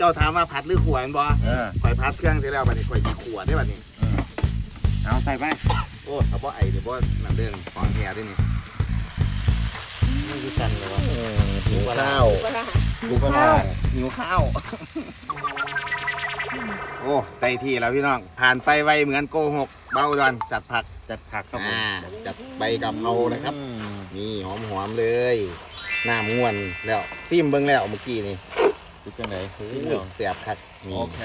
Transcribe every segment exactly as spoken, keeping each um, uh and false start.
จ้าถามว่าผัดหรือขวดบ่ข่อยผัดเครื่องเสร็จแล้วบัดนี้ข่อยขวดได้บัดนี้เอาใส่ไปโอ้ถ้าบ่ไอเดี๋ยวบ่น้ำเด้งของแท้ด้วยนี่นี่คือกันเลยวะหิวข้าวหิวข้าวหิวข้าวโอ้ไต่ที่แล้วพี่น้องผ่านไปไวเหมือนโกหกเบาดอนจัดผักจัดผักครับผมจัดใบกะเพรานะครับนี่หอมๆเลยน้ำง่วนแล้วซิมเบิ้งแล้วเมื่อกี้นี่จุดจังไหนเสียบคักโอเค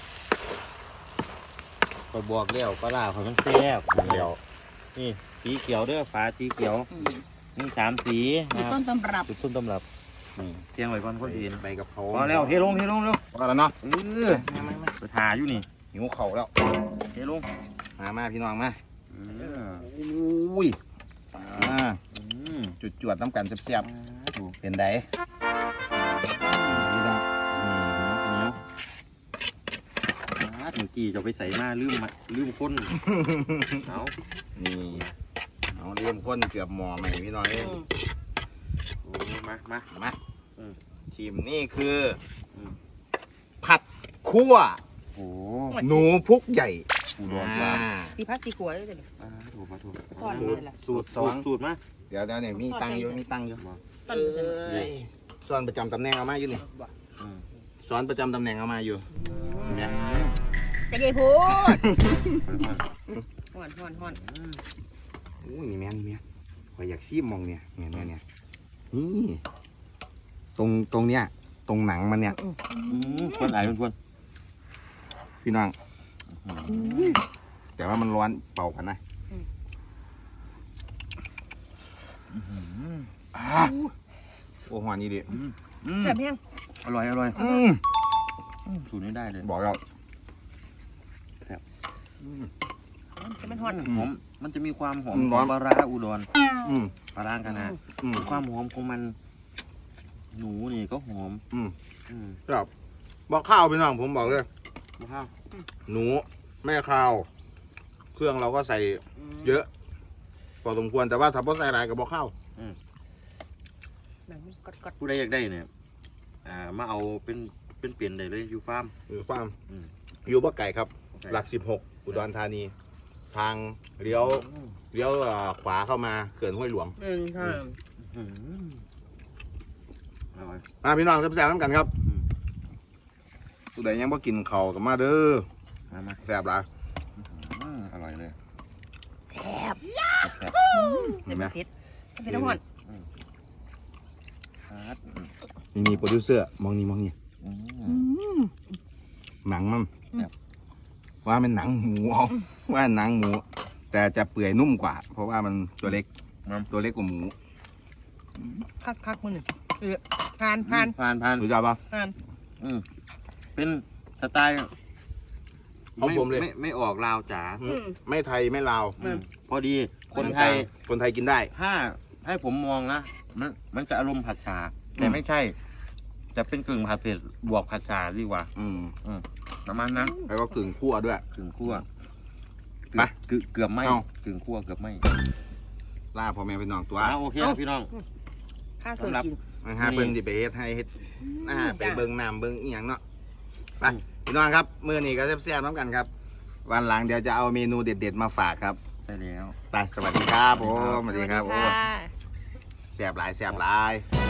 คอยบอกเลี้ยวปลาล่าคอยมันแซ่บเดี๋ยวนี่สีเขียวเด้อฟ้าสีเขียวนี่สามสีจุดต้นตำรับจุดต้นตำรับเสียงไว้ก่อนคนจีนใบกะเพราพอแล้วเทลงเทลงเร็วพอแล้วเนาะเออไปทาอยู่นี่หิวเข่าแล้วเทลงมามาพี่น้องมาอุ้ยจุดจวดน้ำกันเสียบๆเป็นไดเมื่อกี้จะไปใส่มาลืมมาลืมคนเอานี่เอาเลี่ยมข้นเกือบหม้อใหม่พี่น้องเองโอ้มามามาทีมนี่คือผัดคั่วโอ้หนูพุกใหญ่ปูดองปลาสีพัดสีขวดเลยจ้ะถูกมาถูกซ่อนเลยล่ะสูตรสองสูตรมาเดี๋ยวเดี๋ยวเนี่ยมีตังอยู่มีตังอยู่ซ้อนประจำตำแหน่งเอามาอยู่นี่ซ้อนประจำตำแหน่งเอามาอยู่เนี่ยจะเกยพูดห่อนห่อนห่อนโอ้ยนี่แม่นี่แม่ข่อยอยากซีมมองเนี่ยเนี่ยเนี่ยเนี่ยนี่ตรงตรงเนี้ยตรงหนังมันเนี่ยคนไหนเป็นคนพี่น้องแต่ว่ามันร้อนเป่ากันนะโอ้หวานนี่ดิแซ่บแห้งอร่อยอร่อยสูตรนี้ได้เลยบอกแล้วมันหอมหอมมันจะมีความหอมของปลาร้าอุดรปลาร้ากันนะความหอมของมันหนูนี่ก็หอมครับบอกข้าวพี่น้องผมบอกเลยบอกข้าวหนูไม่ข้าวเครื่องเราก็ใส่เยอะพอสมควรแต่ว่าถ้าพอใส่อะไรกับบอกข้าวผู้ใดอยากได้เนี่ยมาเอาเป็นเป็นเปลี่ยนได้เลยอยู่ฟาร์มอยู่ฟาร์มอยู่บ้านไก่ครับหลักสิบหกอุดรธานีทางเลี้ยวเลี้ยวขวาเข้ามาเขื่อนห้วยหลวงมาพี่น้องแซ่บๆน้ำกันครับผู้ใดยังบ่กินเข่ากับมาเด้อแซ่บหลายอร่อยเลยแซ่บเห็นไหมเผ็ดเผ็ดทั้งหมดนี่มีโปรดิวเซอร์มองนี่มองนี่หนังมันว่าเป็นหนังหมูว่าหนังหมูแต่จะเปื่อยนุ่มกว่าเพราะว่ามันตัวเล็กตัวเล็กกว่าหมูคักคักมันเออผ่านผ่านผ่านผ่านสุดยอดป่ะผ่านอืมเป็นสไตล์ของผมเลยไม่ไม่ออกลาวจ๋าไม่ไทยไม่ลาวพอดีคนไทยคนไทยกินได้ถ้าให้ผมมองนะมันมันจะอารมณ์ผัดชาแต่ไม่ใช่จะเป็นกึ่งผัดเผ็ดบวกผัดชาดีกว่าอืมอืมประมาณนั้นแล้วก็กึ่งคั่วด้วยกึ่งคั่วไปเกือบไม่กึ่งคั่วเกือบไม่ล่าพ่อแม่พี่น้องตัวโอเคพี่น้องข้าเคยกินนะฮะเบิ้งดิเบสให้อ่าไปเบิ้งน้ำเบิ้งอีหยังเนาะไปพี่น้องครับมื้อนี้ก็แซ่บๆน้ำกันครับวันหลังเดี๋ยวจะเอาเมนูเด็ดๆมาฝากครับใช่แล้วไปสวัสดีครับผมสวัสดีครับโอ้แซ่บหลายแซ่บหลาย